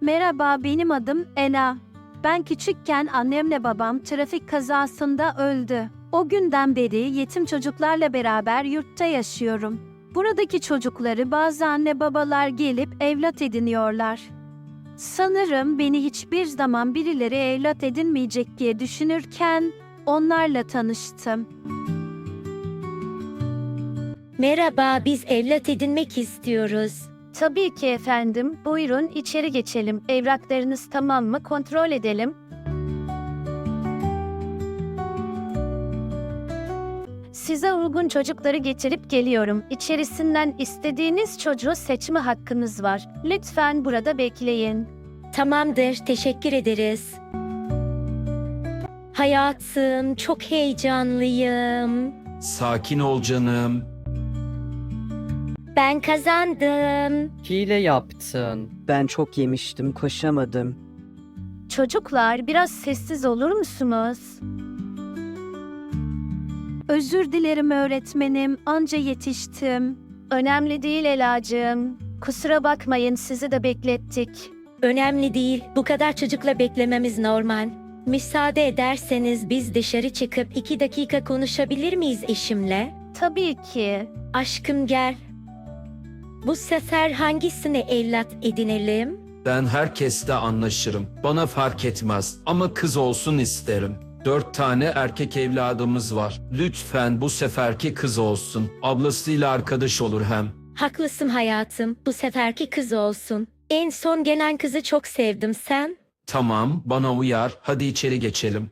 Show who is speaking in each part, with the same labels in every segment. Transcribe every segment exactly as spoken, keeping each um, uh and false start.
Speaker 1: Merhaba, benim adım Ela. Ben küçükken annemle babam trafik kazasında öldü. O günden beri yetim çocuklarla beraber yurtta yaşıyorum. Buradaki çocukları bazı anne babalar gelip evlat ediniyorlar. Sanırım beni hiçbir zaman birileri evlat edinmeyecek diye düşünürken onlarla tanıştım.
Speaker 2: Merhaba, biz evlat edinmek istiyoruz.
Speaker 1: Tabii ki efendim. Buyurun içeri geçelim. Evraklarınız tamam mı? Kontrol edelim. Size uygun çocukları getirip geliyorum. İçerisinden istediğiniz çocuğu seçme hakkınız var. Lütfen burada bekleyin.
Speaker 2: Tamamdır, teşekkür ederiz. Hayatım, çok heyecanlıyım.
Speaker 3: Sakin ol canım.
Speaker 2: Ben kazandım.
Speaker 4: Hile yaptın.
Speaker 5: Ben çok yemiştim, koşamadım.
Speaker 1: Çocuklar biraz sessiz olur musunuz? Özür dilerim öğretmenim, anca yetiştim. Önemli değil Elacığım. Kusura bakmayın, sizi de beklettik.
Speaker 2: Önemli değil, bu kadar çocukla beklememiz normal. Müsaade ederseniz biz dışarı çıkıp iki dakika konuşabilir miyiz eşimle?
Speaker 1: Tabii ki.
Speaker 2: Aşkım gel. Bu sefer hangisine evlat edinelim?
Speaker 3: Ben herkesle anlaşırım. Bana fark etmez ama kız olsun isterim. Dört tane erkek evladımız var. Lütfen bu seferki kız olsun. Ablasıyla arkadaş olur hem.
Speaker 2: Haklısın hayatım, bu seferki kız olsun. En son gelen kızı çok sevdim, sen?
Speaker 3: Tamam, bana uyar. Hadi içeri geçelim.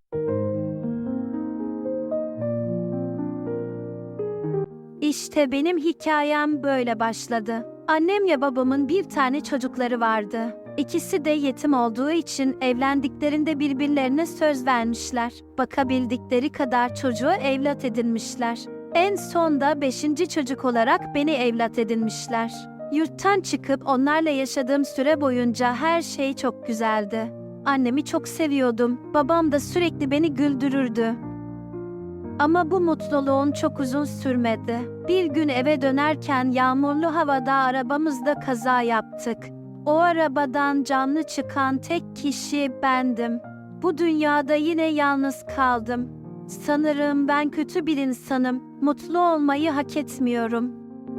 Speaker 1: İşte benim hikayem böyle başladı. Annemle babamın bir tane çocukları vardı. İkisi de yetim olduğu için evlendiklerinde birbirlerine söz vermişler. Bakabildikleri kadar çocuğu evlat edinmişler. En son da beşinci çocuk olarak beni evlat edinmişler. Yurttan çıkıp onlarla yaşadığım süre boyunca her şey çok güzeldi. Annemi çok seviyordum. Babam da sürekli beni güldürürdü. Ama bu mutluluğun çok uzun sürmedi. Bir gün eve dönerken yağmurlu havada arabamızda kaza yaptık. O arabadan canlı çıkan tek kişi bendim. Bu dünyada yine yalnız kaldım. Sanırım ben kötü bir insanım. Mutlu olmayı hak etmiyorum.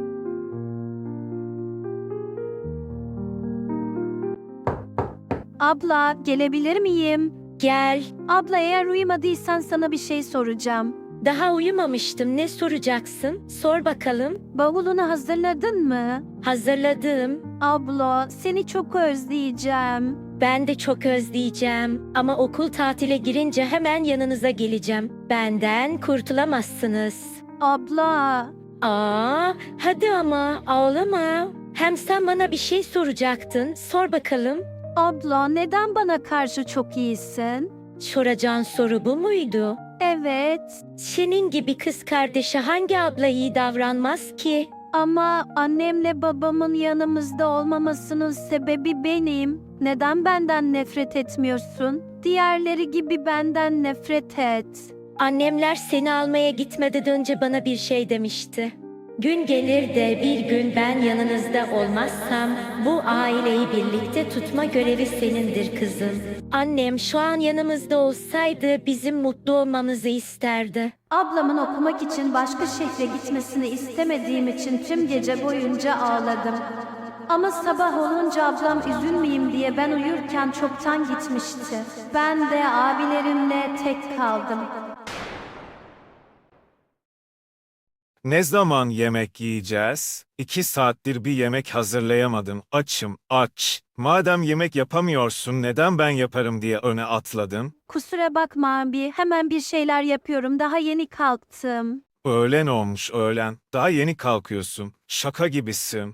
Speaker 1: Abla, gelebilir miyim?
Speaker 2: Gel.
Speaker 1: Abla, eğer uyumadıysan sana bir şey soracağım.
Speaker 2: Daha uyumamıştım, ne soracaksın? Sor bakalım.
Speaker 1: Bavulunu hazırladın mı?
Speaker 2: Hazırladım.
Speaker 1: Abla, seni çok özleyeceğim.
Speaker 2: Ben de çok özleyeceğim. Ama okul tatile girince hemen yanınıza geleceğim. Benden kurtulamazsınız.
Speaker 1: Abla,
Speaker 2: Aa, hadi ama ağlama. Hem sen bana bir şey soracaktın. Sor bakalım.
Speaker 1: abla neden bana karşı çok iyisin?
Speaker 2: Soracağın soru bu muydu?
Speaker 1: Evet,
Speaker 2: Senin gibi kız kardeşe hangi abla iyi davranmaz ki?
Speaker 1: ama annemle babamın yanımızda olmamasının sebebi benim. Neden benden nefret etmiyorsun? Diğerleri gibi benden nefret et.
Speaker 2: Annemler seni almaya gitmeden önce bana bir şey demişti. Gün gelir de bir gün ben yanınızda olmazsam bu aileyi birlikte tutma görevi senindir kızım. Annem şu an yanımızda olsaydı bizim mutlu olmamızı isterdi.
Speaker 1: Ablamın okumak için başka şehre gitmesini istemediğim için tüm gece boyunca ağladım. Ama sabah olunca ablam üzülmeyeyim diye ben uyurken çoktan gitmişti. Ben de abilerimle tek kaldım.
Speaker 6: Ne zaman yemek yiyeceğiz? İki saattir bir yemek hazırlayamadım. Açım, aç. Madem yemek yapamıyorsun, neden ben yaparım diye öne atladın?
Speaker 1: Kusura bakma abi, hemen bir şeyler yapıyorum. Daha yeni kalktım.
Speaker 6: Öğlen olmuş öğlen. Daha yeni kalkıyorsun. Şaka gibisin.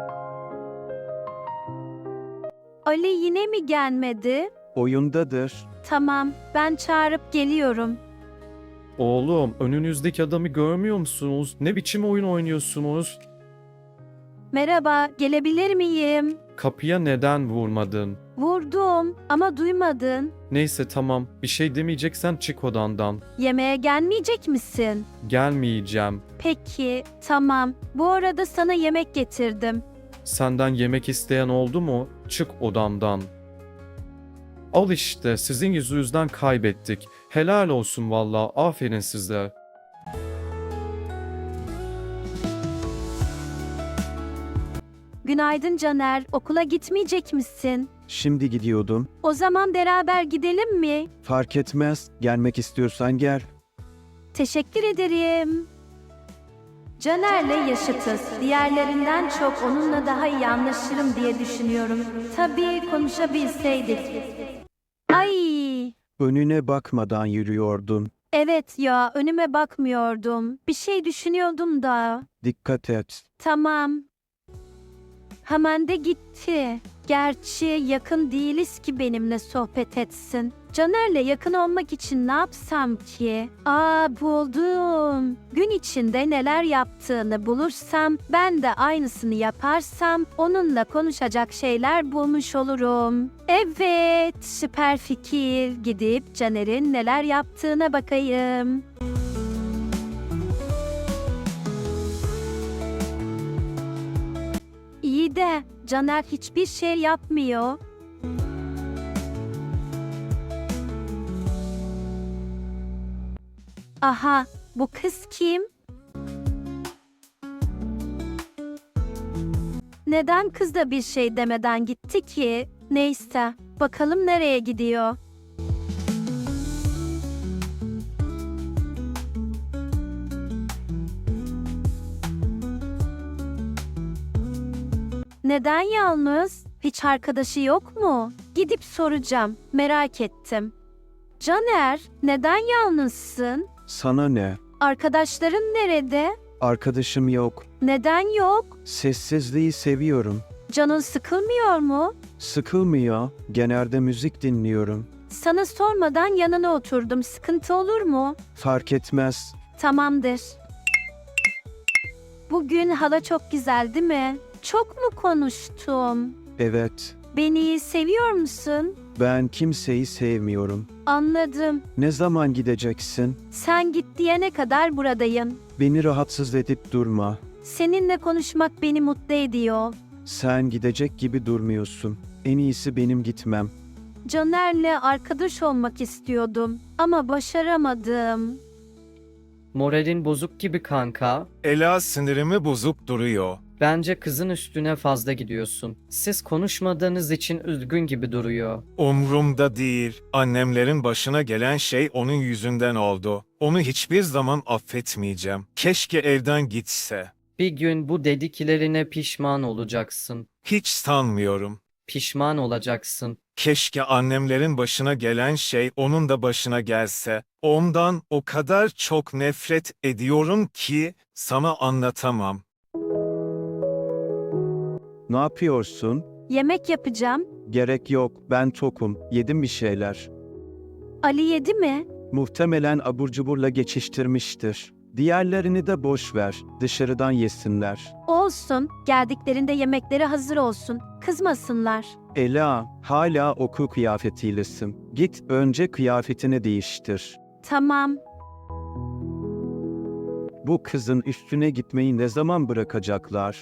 Speaker 1: Ali yine mi gelmedi?
Speaker 5: Oyundadır.
Speaker 1: Tamam, ben çağırıp geliyorum.
Speaker 4: Oğlum, önünüzdeki adamı görmüyor musunuz? Ne biçim oyun oynuyorsunuz?
Speaker 1: Merhaba, gelebilir miyim?
Speaker 4: Kapıya neden vurmadın?
Speaker 1: Vurdum ama duymadın.
Speaker 4: Neyse tamam, bir şey demeyeceksen çık odandan.
Speaker 1: Yemeğe gelmeyecek misin?
Speaker 4: Gelmeyeceğim.
Speaker 1: Peki, tamam. Bu arada sana yemek getirdim.
Speaker 4: Senden yemek isteyen oldu mu? Çık odamdan. Al işte, sizin yüzünüzden kaybettik. Helal olsun valla, aferin size.
Speaker 1: Günaydın Caner, okula gitmeyecek misin?
Speaker 5: Şimdi gidiyordum.
Speaker 1: O zaman beraber gidelim mi?
Speaker 5: Fark etmez. Gelmek istiyorsan gel.
Speaker 1: Teşekkür ederim. Caner'le yaşıtız. Diğerlerinden çok onunla daha iyi anlaşırım diye düşünüyorum. Tabii konuşabilseydik. Ay,
Speaker 5: Önüne bakmadan yürüyordun.
Speaker 1: evet ya önüme bakmıyordum. Bir şey düşünüyordum da.
Speaker 5: Dikkat et.
Speaker 1: Tamam. Hemen de gitti. Gerçi yakın değiliz ki benimle sohbet etsin. Caner'le yakın olmak için ne yapsam ki? Aa buldum. Gün içinde neler yaptığını bulursam, ben de aynısını yaparsam onunla konuşacak şeyler bulmuş olurum. Evet, süper fikir. Gidip Caner'in neler yaptığına bakayım. İyi de Caner hiçbir şey yapmıyor. Aha, bu kız kim? Neden kız da bir şey demeden gitti ki? Neyse, bakalım nereye gidiyor. Neden yalnız? Hiç arkadaşı yok mu? Gidip soracağım. Merak ettim. Caner, neden yalnızsın?
Speaker 5: Sana ne?
Speaker 1: Arkadaşların nerede?
Speaker 5: Arkadaşım yok.
Speaker 1: Neden yok?
Speaker 5: Sessizliği seviyorum.
Speaker 1: Canın sıkılmıyor mu?
Speaker 5: Sıkılmıyor. Genelde müzik dinliyorum.
Speaker 1: Sana sormadan yanına oturdum. Sıkıntı olur mu?
Speaker 5: Fark etmez.
Speaker 1: Tamamdır. Bugün hava çok güzel değil mi? Çok mu konuştum?
Speaker 5: Evet.
Speaker 1: Beni seviyor musun?
Speaker 5: Ben kimseyi sevmiyorum.
Speaker 1: Anladım.
Speaker 5: Ne zaman gideceksin?
Speaker 1: Sen git diyene kadar buradayım.
Speaker 5: Beni rahatsız edip durma.
Speaker 1: Seninle konuşmak beni mutlu ediyor.
Speaker 5: Sen gidecek gibi durmuyorsun. En iyisi benim gitmem.
Speaker 1: Caner'le arkadaş olmak istiyordum ama başaramadım.
Speaker 7: Moralin bozuk gibi kanka.
Speaker 6: Ela sinirimi bozuk duruyor.
Speaker 7: Bence kızın üstüne fazla gidiyorsun. Siz konuşmadığınız için üzgün gibi duruyor.
Speaker 6: Umrumda değil. Annemlerin başına gelen şey onun yüzünden oldu. Onu hiçbir zaman affetmeyeceğim. Keşke evden gitse.
Speaker 7: Bir gün bu dediklerine pişman olacaksın.
Speaker 6: Hiç sanmıyorum.
Speaker 7: Pişman olacaksın.
Speaker 6: Keşke annemlerin başına gelen şey onun da başına gelse. Ondan o kadar çok nefret ediyorum ki sana anlatamam.
Speaker 5: Ne yapıyorsun?
Speaker 1: Yemek yapacağım.
Speaker 5: Gerek yok. Ben tokum. Yedim bir şeyler.
Speaker 1: Ali yedi mi?
Speaker 5: Muhtemelen abur cuburla geçiştirmiştir. Diğerlerini de boş ver. Dışarıdan yesinler.
Speaker 1: Olsun. Geldiklerinde yemekleri hazır olsun. Kızmasınlar.
Speaker 5: Ela, hala okul kıyafetiylesin. Git önce kıyafetini değiştir.
Speaker 1: Tamam.
Speaker 5: Bu kızın üstüne gitmeyi ne zaman bırakacaklar?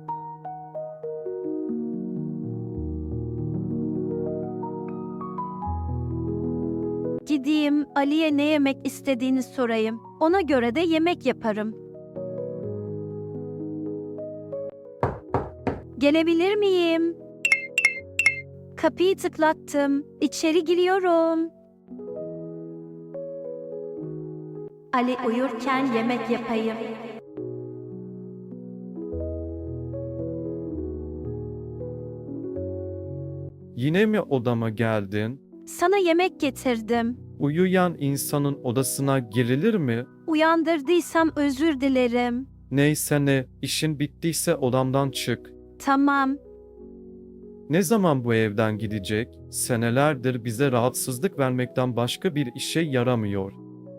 Speaker 1: Gideyim Ali'ye ne yemek istediğini sorayım. Ona göre de yemek yaparım. Gelebilir miyim? Kapıyı tıklattım. İçeri giriyorum. Ali uyurken yemek yapayım.
Speaker 4: Yine mi odama geldin?
Speaker 1: Sana yemek getirdim.
Speaker 4: Uyuyan insanın odasına girilir mi?
Speaker 1: Uyandırdıysam özür dilerim.
Speaker 4: Neyse ne, işin bittiyse odamdan çık.
Speaker 1: Tamam.
Speaker 4: Ne zaman bu evden gidecek? Senelerdir bize rahatsızlık vermekten başka bir işe yaramıyor.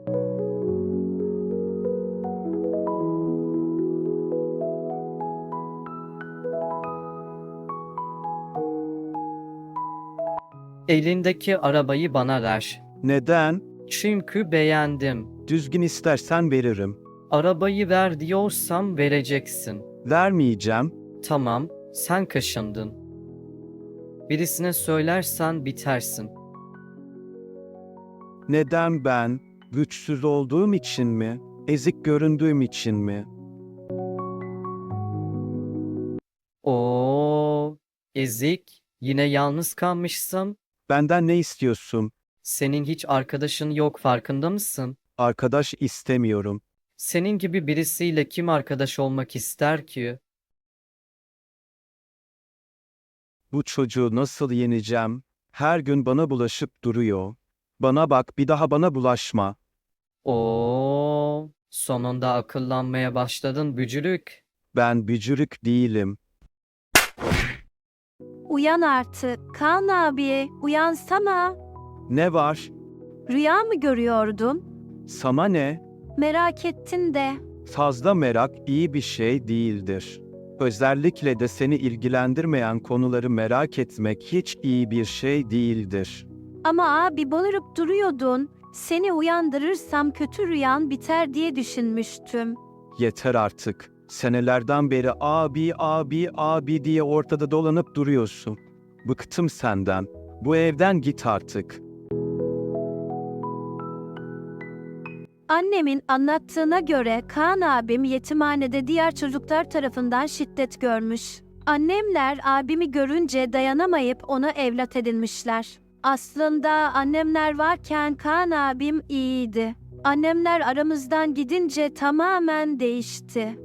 Speaker 7: Elindeki arabayı bana ver.
Speaker 5: Neden?
Speaker 7: Çünkü beğendim.
Speaker 5: Düzgün istersen veririm.
Speaker 7: Arabayı ver diyorsam vereceksin.
Speaker 5: Vermeyeceğim.
Speaker 7: Tamam, Sen kaşındın. Birisine söylersen bitersin.
Speaker 5: Neden ben? Güçsüz olduğum için mi? Ezik göründüğüm için mi?
Speaker 7: Oo, ezik. Yine yalnız kalmışsın.
Speaker 5: Benden ne istiyorsun?
Speaker 7: Senin hiç arkadaşın yok, farkında mısın?
Speaker 5: Arkadaş istemiyorum.
Speaker 7: Senin gibi birisiyle kim arkadaş olmak ister ki?
Speaker 5: Bu çocuğu nasıl yeneceğim? Her gün bana bulaşıp duruyor. Bana bak, bir daha bana bulaşma.
Speaker 7: Oo, sonunda akıllanmaya başladın bücürük.
Speaker 5: Ben bücürük değilim.
Speaker 1: Uyan artık. Kaan abi, uyansana.
Speaker 5: Ne var?
Speaker 1: Rüya mı görüyordun?
Speaker 5: Sana ne?
Speaker 1: Merak ettin de.
Speaker 5: Fazla merak iyi bir şey değildir. Özellikle de seni ilgilendirmeyen konuları merak etmek hiç iyi bir şey değildir.
Speaker 1: Ama abi bağırıp duruyordun. Seni uyandırırsam kötü rüyan biter diye düşünmüştüm.
Speaker 5: Yeter artık. Senelerden beri abi abi abi diye ortada dolanıp duruyorsun. Bıktım senden. Bu evden git artık.
Speaker 1: Annemin anlattığına göre Kaan abim yetimhanede diğer çocuklar tarafından şiddet görmüş. Annemler abimi görünce dayanamayıp onu evlat edinmişler. Aslında annemler varken Kaan abim iyiydi. Annemler aramızdan gidince tamamen değişti.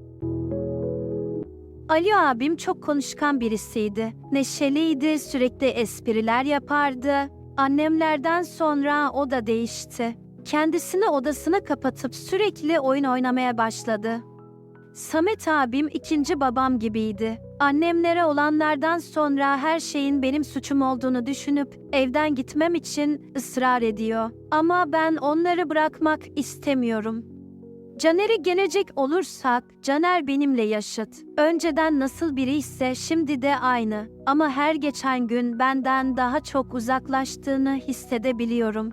Speaker 1: Ali abim çok konuşkan birisiydi. Neşeliydi, sürekli espriler yapardı. Annemlerden sonra o da değişti. Kendisini odasına kapatıp sürekli oyun oynamaya başladı. Samet abim ikinci babam gibiydi. Annemlere olanlardan sonra her şeyin benim suçum olduğunu düşünüp evden gitmem için ısrar ediyor. Ama ben onları bırakmak istemiyorum. Caner'e gelecek olursak, Caner benimle yaşıt. Önceden nasıl biri ise şimdi de aynı. Ama her geçen gün benden daha çok uzaklaştığını hissedebiliyorum.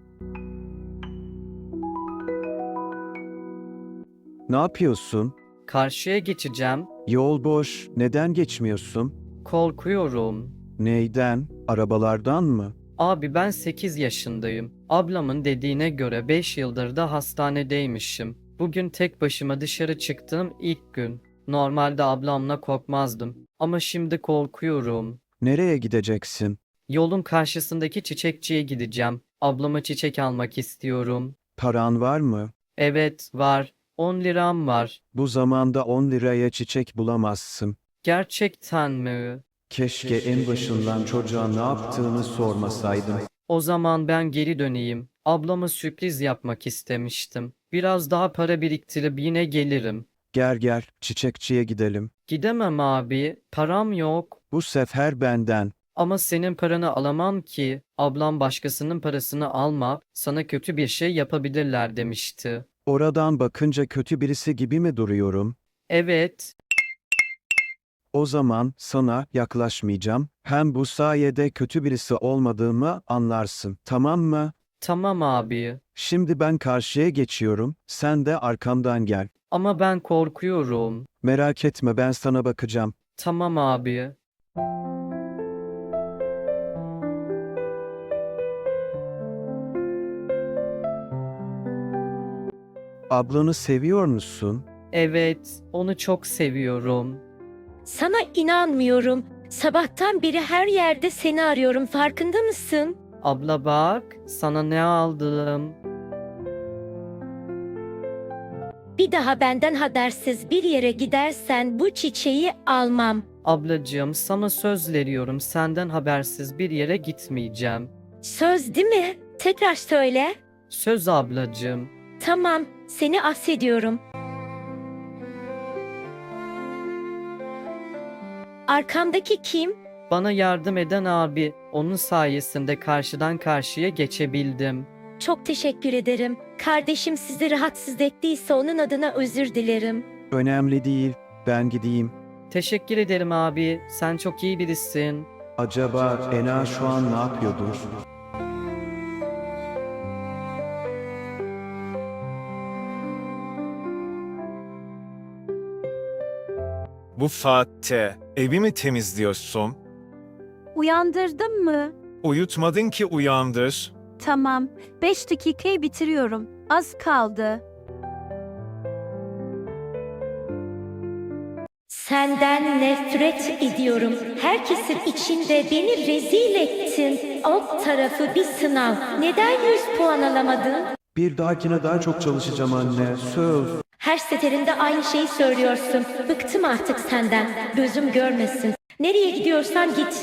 Speaker 5: Ne yapıyorsun?
Speaker 7: Karşıya geçeceğim.
Speaker 5: Yol boş. Neden geçmiyorsun?
Speaker 7: Korkuyorum.
Speaker 5: Neyden? Arabalardan mı?
Speaker 7: Abi ben sekiz yaşındayım. Ablamın dediğine göre beş yıldır da hastanedeymişim. Bugün tek başıma dışarı çıktığım ilk gün. Normalde ablamla korkmazdım. Ama şimdi korkuyorum.
Speaker 5: Nereye gideceksin?
Speaker 7: Yolun karşısındaki çiçekçiye gideceğim. Ablama çiçek almak istiyorum.
Speaker 5: Paran var mı?
Speaker 7: Evet, var. on liram var.
Speaker 5: Bu zamanda on liraya çiçek bulamazsın.
Speaker 7: Gerçekten mi?
Speaker 5: Keşke en başından çocuğa ne yaptığını sormasaydım.
Speaker 7: O zaman ben geri döneyim. Ablama sürpriz yapmak istemiştim. Biraz daha para biriktirip yine gelirim.
Speaker 5: Gel gel, çiçekçiye gidelim.
Speaker 7: Gidemem abi. Param yok.
Speaker 5: Bu sefer benden.
Speaker 7: Ama senin paranı alamam ki. Ablam başkasının parasını alma, sana kötü bir şey yapabilirler demişti.
Speaker 5: Oradan bakınca kötü birisi gibi mi duruyorum?
Speaker 7: Evet,
Speaker 5: O zaman sana yaklaşmayacağım. Hem bu sayede kötü birisi olmadığımı anlarsın. Tamam mı?
Speaker 7: tamam abi.
Speaker 5: Şimdi ben karşıya geçiyorum. Sen de arkamdan gel.
Speaker 7: Ama ben korkuyorum.
Speaker 5: Merak etme, ben sana bakacağım.
Speaker 7: Tamam abi.
Speaker 5: Ablanı seviyor musun?
Speaker 7: Evet, onu çok seviyorum.
Speaker 2: Sana inanmıyorum. Sabahtan beri her yerde seni arıyorum. Farkında mısın?
Speaker 7: Abla bak, sana ne aldım.
Speaker 2: Bir daha benden habersiz bir yere gidersen bu çiçeği almam.
Speaker 7: Ablacığım, sana söz veriyorum, senden habersiz bir yere gitmeyeceğim.
Speaker 2: Söz değil mi? Tekrar söyle.
Speaker 7: Söz ablacığım.
Speaker 2: Tamam, seni affediyorum. Arkamdaki kim?
Speaker 7: Bana yardım eden abi, onun sayesinde karşıdan karşıya geçebildim.
Speaker 2: Çok teşekkür ederim. Kardeşim sizi rahatsız ettiyse onun adına özür dilerim.
Speaker 5: Önemli değil. Ben gideyim.
Speaker 7: Teşekkür ederim abi, sen çok iyi birisin.
Speaker 5: Acaba Ena şu an ne yapıyordur?
Speaker 6: Bu saatte evi mi temizliyorsun?
Speaker 1: Uyandırdın mı?
Speaker 6: Uyutmadın ki uyandır.
Speaker 1: Tamam. Beş dakikayı bitiriyorum. Az kaldı.
Speaker 2: Senden nefret ediyorum. Herkesin içinde beni rezil ettin. Alt tarafı bir sınav. Neden yüz puan alamadın?
Speaker 5: Bir dahakine daha çok çalışacağım anne. Söz.
Speaker 2: Her seferinde aynı şeyi söylüyorsun. Bıktım artık senden. Gözüm görmesin. Nereye gidiyorsan git.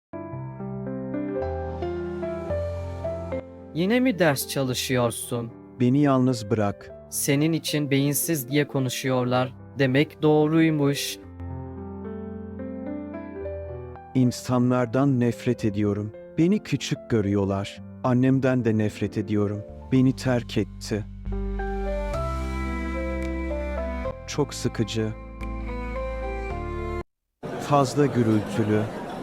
Speaker 7: Yine mi ders çalışıyorsun?
Speaker 5: Beni yalnız bırak.
Speaker 7: Senin için beyinsiz diye konuşuyorlar. Demek doğruymuş.
Speaker 5: İnsanlardan nefret ediyorum. Beni küçük görüyorlar. Annemden de nefret ediyorum. Beni terk etti. Çok sıkıcı. Fazla gürültülü.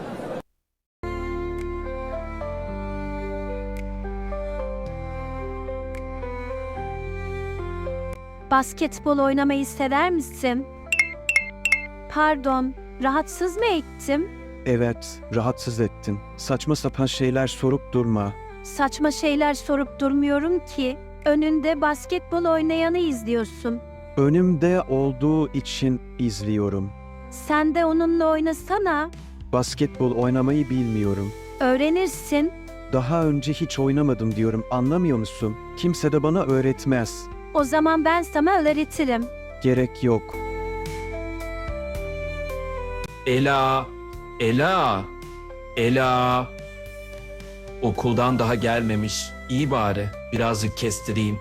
Speaker 1: Basketbol oynamayı sever misin? Pardon, rahatsız mı ettim?
Speaker 5: Evet, rahatsız ettin. Saçma sapan şeyler sorup durma.
Speaker 1: Saçma şeyler sorup durmuyorum ki. Önünde basketbol oynayanı izliyorsun.
Speaker 5: Önümde olduğu için izliyorum.
Speaker 1: Sen de onunla oynasana.
Speaker 5: Basketbol oynamayı bilmiyorum.
Speaker 1: Öğrenirsin.
Speaker 5: Daha önce hiç oynamadım diyorum, anlamıyor musun? Kimse de bana öğretmez.
Speaker 1: O zaman ben sana öğretirim.
Speaker 5: Gerek yok.
Speaker 3: Ela, Ela, Ela. Okuldan daha gelmemiş. İyi bari, birazcık kestireyim.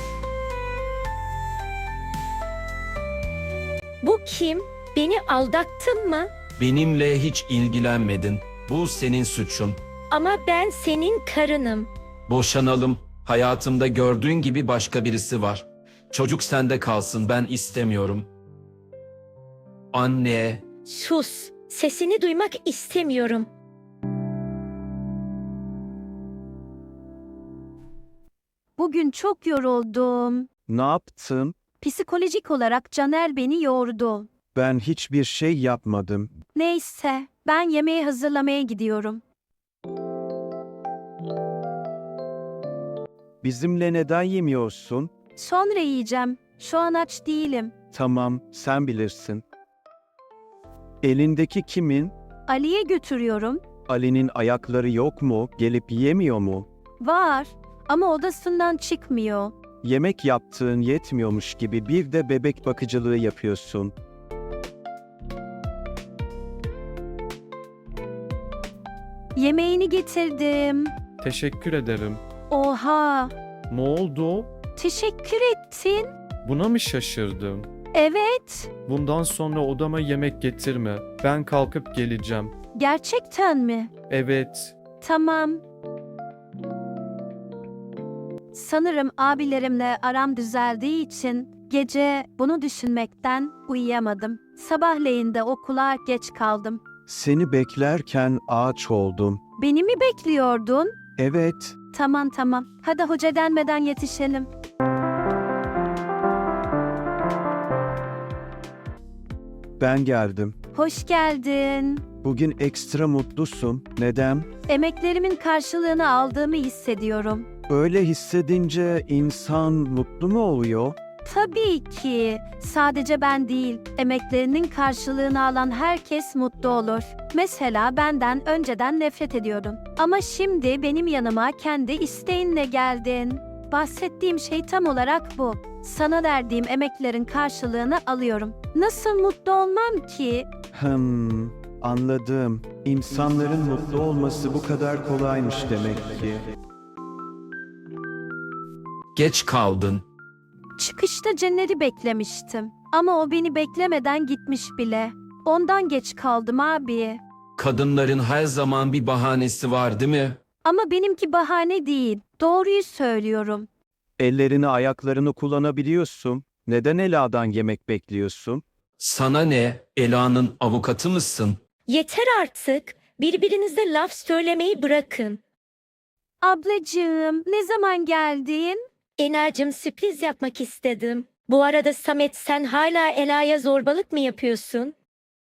Speaker 2: Bu kim? Beni aldattın mı?
Speaker 3: Benimle hiç ilgilenmedin. Bu senin suçun.
Speaker 2: Ama ben senin karınım.
Speaker 3: Boşanalım. Hayatımda gördüğün gibi başka birisi var. Çocuk sende kalsın, ben istemiyorum. Anne,
Speaker 2: Sus. Sesini duymak istemiyorum.
Speaker 1: Bugün çok yoruldum.
Speaker 5: Ne yaptın?
Speaker 1: Psikolojik olarak Caner beni yordu.
Speaker 5: Ben hiçbir şey yapmadım.
Speaker 1: Neyse, ben yemeği hazırlamaya gidiyorum.
Speaker 5: Bizimle neden yemiyorsun?
Speaker 1: Sonra yiyeceğim. Şu an aç değilim.
Speaker 5: Tamam, sen bilirsin. Elindeki kimin?
Speaker 1: Ali'ye götürüyorum.
Speaker 5: Ali'nin ayakları yok mu? Gelip yemiyor mu?
Speaker 1: Var ama odasından çıkmıyor.
Speaker 5: Yemek yaptığın yetmiyormuş gibi bir de bebek bakıcılığı yapıyorsun.
Speaker 1: Yemeğini getirdim.
Speaker 4: Teşekkür ederim.
Speaker 1: Oha!
Speaker 4: Ne oldu?
Speaker 1: Teşekkür ettin.
Speaker 4: Buna mı şaşırdım?
Speaker 1: Evet.
Speaker 4: Bundan sonra odama yemek getirme. Ben kalkıp geleceğim.
Speaker 1: Gerçekten mi?
Speaker 4: Evet.
Speaker 1: Tamam. Sanırım abilerimle aram düzeldiği için gece bunu düşünmekten uyuyamadım. Sabahleyin de okula geç kaldım.
Speaker 5: Seni beklerken ağaç oldum.
Speaker 1: Beni mi bekliyordun?
Speaker 5: Evet,
Speaker 1: Tamam tamam. Hadi hoca denmeden yetişelim.
Speaker 5: ben geldim.
Speaker 1: Hoş geldin.
Speaker 5: Bugün ekstra mutlusun. Neden?
Speaker 1: Emeklerimin karşılığını aldığımı hissediyorum.
Speaker 5: Öyle hissedince insan mutlu mu oluyor?
Speaker 1: Tabii ki. Sadece ben değil, emeklerinin karşılığını alan herkes mutlu olur. Mesela benden önceden nefret ediyordun. Ama şimdi benim yanıma kendi isteğinle geldin. Bahsettiğim şey tam olarak bu. Sana verdiğim emeklerin karşılığını alıyorum. Nasıl mutlu olmam ki?
Speaker 5: Hmm, anladım. İnsanların mutlu olması bu kadar kolaymış demek ki.
Speaker 3: geç kaldın.
Speaker 1: Çıkışta Caner'i beklemiştim. Ama o beni beklemeden gitmiş bile. Ondan geç kaldım abi.
Speaker 3: Kadınların her zaman bir bahanesi var, değil mi?
Speaker 1: Ama benimki bahane değil. Doğruyu söylüyorum.
Speaker 5: Ellerini ayaklarını kullanabiliyorsun. Neden Ela'dan yemek bekliyorsun?
Speaker 3: Sana ne? Ela'nın avukatı mısın?
Speaker 2: Yeter artık. Birbirinize laf söylemeyi bırakın.
Speaker 1: Ablacığım, ne zaman geldin?
Speaker 2: Enacığım, sürpriz yapmak istedim. Bu arada Samet, sen hala Ela'ya zorbalık mı yapıyorsun?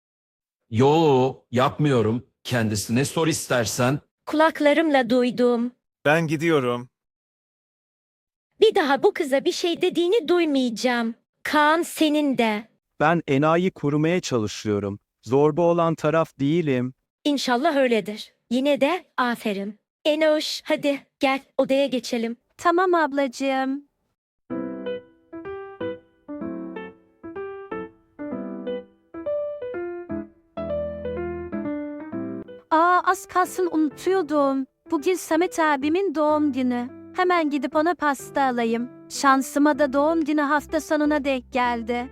Speaker 3: Yo, yapmıyorum. Kendisine sor istersen.
Speaker 2: Kulaklarımla duydum.
Speaker 6: Ben gidiyorum.
Speaker 2: Bir daha bu kıza bir şey dediğini duymayacağım. Kaan senin de.
Speaker 5: Ben enayi korumaya çalışıyorum. Zorba olan taraf değilim.
Speaker 2: İnşallah öyledir. Yine de aferin. Enoş, hadi gel odaya geçelim.
Speaker 1: Tamam ablacığım. Aa, az kalsın unutuyordum. Bugün Samet abimin doğum günü. Hemen gidip ona pasta alayım. Şansıma da doğum günü hafta sonuna denk geldi.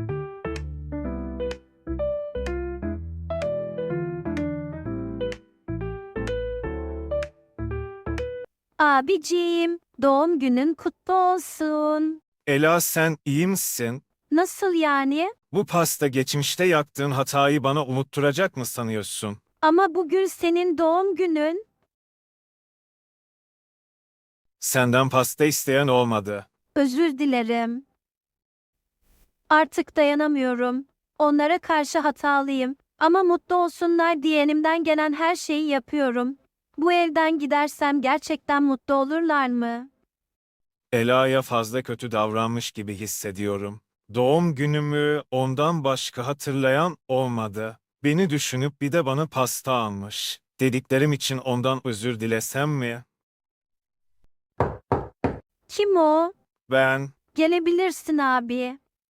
Speaker 1: Abiciğim, doğum günün kutlu olsun.
Speaker 6: Ela, sen iyi misin?
Speaker 1: Nasıl yani?
Speaker 6: Bu pasta geçmişte yaptığın hatayı bana unutturacak mı sanıyorsun?
Speaker 1: Ama bugün senin doğum günün.
Speaker 6: Senden pasta isteyen olmadı.
Speaker 1: Özür dilerim. Artık dayanamıyorum. Onlara karşı hatalıyım. Ama mutlu olsunlar diye elimden gelen her şeyi yapıyorum. Bu evden gidersem gerçekten mutlu olurlar mı?
Speaker 6: Ela'ya fazla kötü davranmış gibi hissediyorum. Doğum günümü ondan başka hatırlayan olmadı. Beni düşünüp bir de bana pasta almış. Dediklerim için ondan özür dilesem mi?
Speaker 1: Kim o?
Speaker 6: Ben,
Speaker 1: Gelebilirsin abi.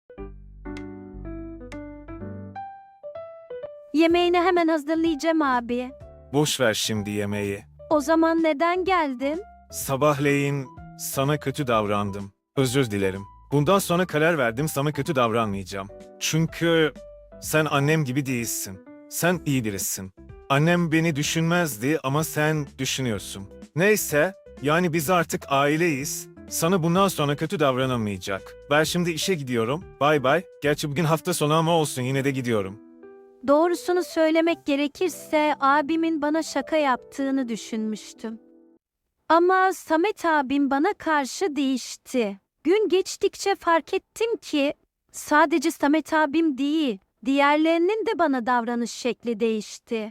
Speaker 1: Yemeğini hemen hazırlayacağım abi.
Speaker 6: boş ver şimdi yemeği.
Speaker 1: O zaman neden geldin?
Speaker 6: Sabahleyin sana kötü davrandım. Özür dilerim. Bundan sonra karar verdim, sana kötü davranmayacağım. Çünkü sen annem gibi değilsin. Sen iyi birisin. Annem beni düşünmezdi ama sen düşünüyorsun. Neyse, yani biz artık aileyiz. Sana bundan sonra kötü davranamayacak. Ben şimdi işe gidiyorum. Bay bay. Gerçi bugün hafta sonu ama olsun, yine de gidiyorum.
Speaker 1: Doğrusunu söylemek gerekirse abimin bana şaka yaptığını düşünmüştüm. Ama Samet abim bana karşı değişti. Gün geçtikçe fark ettim ki sadece Samet abim değil, diğerlerinin de bana davranış şekli değişti.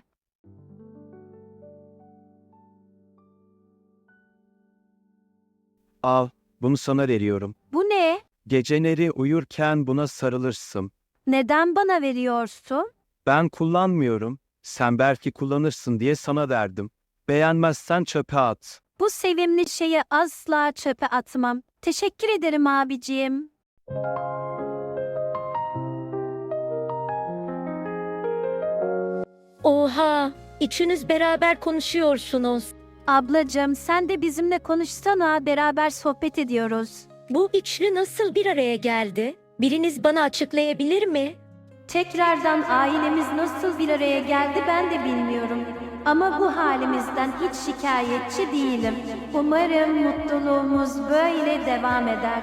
Speaker 5: Al, bunu sana veriyorum.
Speaker 1: Bu ne?
Speaker 5: Geceleri uyurken buna sarılırsın.
Speaker 1: Neden bana veriyorsun?
Speaker 5: Ben kullanmıyorum. Sen belki kullanırsın diye sana verdim. Beğenmezsen çöpe at.
Speaker 1: Bu sevimli şeyi asla çöpe atmam. Teşekkür ederim abiciğim.
Speaker 2: Oha, üçünüz beraber konuşuyorsunuz.
Speaker 1: Ablacığım sen de bizimle konuşsana, beraber sohbet ediyoruz.
Speaker 2: Bu üçlü nasıl bir araya geldi? Biriniz bana açıklayabilir mi?
Speaker 1: Tekrardan ailemiz nasıl bir araya geldi ben de bilmiyorum. Ama bu halimizden hiç şikayetçi değilim. Umarım mutluluğumuz böyle devam eder.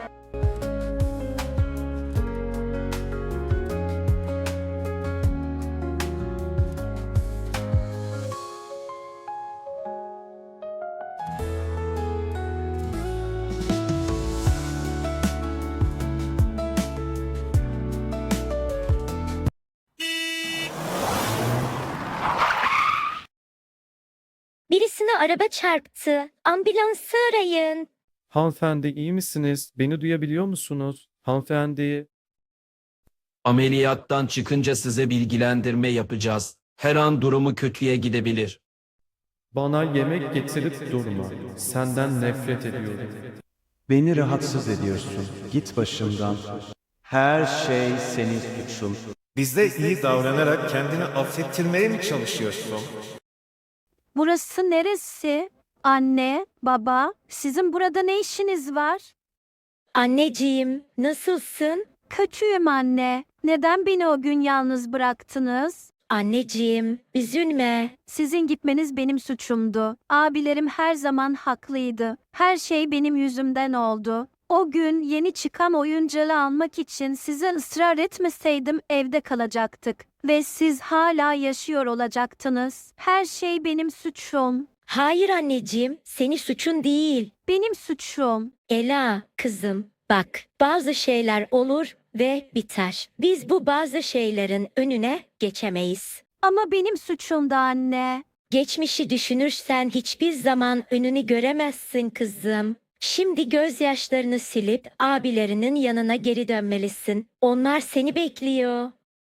Speaker 2: Birisine araba çarptı. Ambulansı arayın.
Speaker 4: Hanımefendi iyi misiniz? Beni duyabiliyor musunuz? Hanımefendi.
Speaker 3: Ameliyattan çıkınca size bilgilendirme yapacağız. Her an durumu kötüye gidebilir.
Speaker 4: Bana yemek getirip durma. Senden nefret ediyorum.
Speaker 5: Beni rahatsız ediyorsun. Git başımdan. Her şey senin suçun.
Speaker 6: Bizde iyi davranarak kendini affettirmeye mi çalışıyorsun?
Speaker 1: Burası neresi? Anne, baba, sizin burada ne işiniz var?
Speaker 2: Anneciğim, nasılsın?
Speaker 1: Kötüyüm anne. Neden beni o gün yalnız bıraktınız?
Speaker 2: Anneciğim, üzülme.
Speaker 1: Sizin gitmeniz benim suçumdu. Abilerim her zaman haklıydı. Her şey benim yüzümden oldu. O gün yeni çıkan oyuncağı almak için size ısrar etmeseydim evde kalacaktık. Ve siz hala yaşıyor olacaktınız. Her şey benim suçum.
Speaker 2: Hayır anneciğim, senin suçun değil.
Speaker 1: Benim suçum.
Speaker 2: Ela, kızım, bak, bazı şeyler olur, ve biter. Biz bu bazı şeylerin önüne geçemeyiz.
Speaker 1: Ama benim suçumdu anne.
Speaker 2: Geçmişi düşünürsen hiçbir zaman önünü göremezsin kızım. Şimdi gözyaşlarını silip abilerinin yanına geri dönmelisin. Onlar seni bekliyor.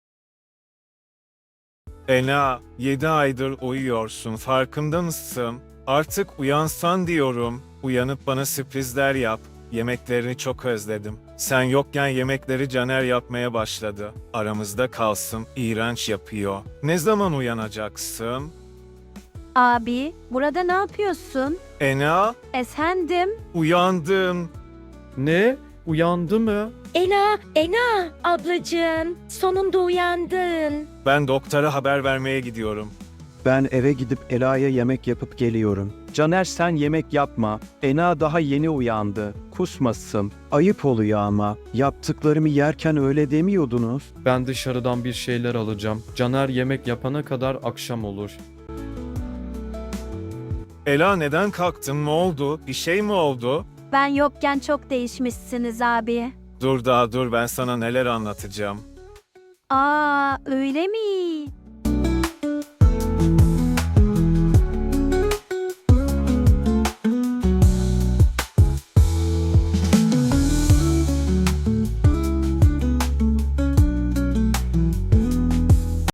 Speaker 6: Ela, yedi aydır uyuyorsun, farkında mısın? Artık uyansan diyorum. Uyanıp bana sürprizler yap. Yemeklerini çok özledim. Sen yokken yemekleri Caner yapmaya başladı. Aramızda kalsın, iğrenç yapıyor. Ne zaman uyanacaksın?
Speaker 1: Abi, burada ne yapıyorsun?
Speaker 6: Ena,
Speaker 1: Efendim?
Speaker 6: uyandım.
Speaker 4: Ne? Uyandı mı?
Speaker 2: Ela, Ena, ablacığım, sonunda uyandın.
Speaker 6: Ben doktora haber vermeye gidiyorum.
Speaker 5: Ben eve gidip Ela'ya yemek yapıp geliyorum. Caner sen yemek yapma. Ena daha yeni uyandı. Kusmasın. Ayıp oluyor ama. Yaptıklarımı yerken öyle demiyordunuz.
Speaker 4: Ben dışarıdan bir şeyler alacağım. Caner yemek yapana kadar akşam olur.
Speaker 6: Ela neden kalktın? Ne oldu? Bir şey mi oldu?
Speaker 1: Ben yokken çok değişmişsiniz abi.
Speaker 6: Dur daha dur ben sana neler anlatacağım.
Speaker 1: Aa, öyle mi?